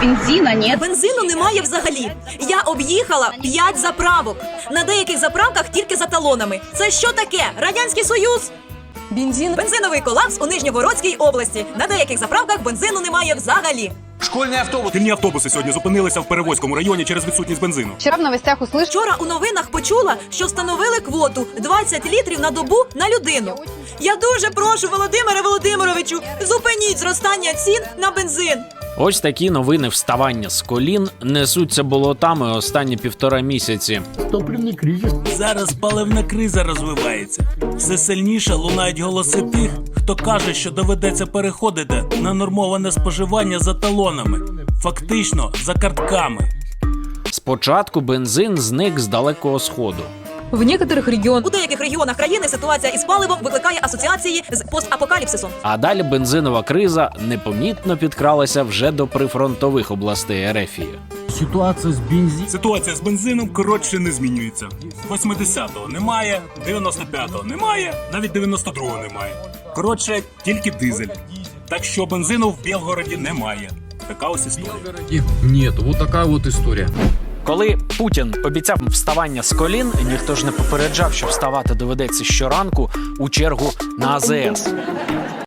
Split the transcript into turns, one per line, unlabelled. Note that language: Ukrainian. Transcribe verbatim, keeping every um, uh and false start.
бензина нет.
Бензину немає взагалі. Я об'їхала п'ять заправок. На деяких заправках тільки за талонами. Це що таке? Радянський Союз?
Бензин.
Бензиновий колапс у Нижньогородській області. На деяких заправках бензину немає взагалі.
Школьний автобус.
Шкільні автобуси сьогодні зупинилися в Перевозькому районі через відсутність бензину.
Вчера в новостях услышала.
Вчора у новинах почула, що встановили квоту двадцять літрів на добу на людину. Я дуже прошу, Володимире Володимировичу, зупиніть зростання цін на бензин.
Ось такі новини вставання з колін несуться болотами останні півтора місяці.
Зараз паливна криза розвивається. Все сильніше лунають голоси тих, хто каже, що доведеться переходити на нормоване споживання за талонами. Фактично, за картками.
Спочатку бензин зник з Далекого Сходу.
В некоторых регионах
У деяких регіонах країни ситуація із паливом викликає асоціації з постапокаліпсисом.
А далі бензинова криза непомітно підкралася вже до прифронтових областей Ерефії.
Ситуація з бензином.
Ситуація з бензином коротше не змінюється. восьмидесятого немає, дев'яносто п'ятого немає, навіть дев'яносто другого немає. Коротше, тільки дизель. Так що бензину в Білгороді немає. Така ось історія.
Нет, вот такая вот история.
Коли Путін обіцяв вставання з колін, ніхто ж не попереджав, що вставати доведеться щоранку у чергу на АЗС.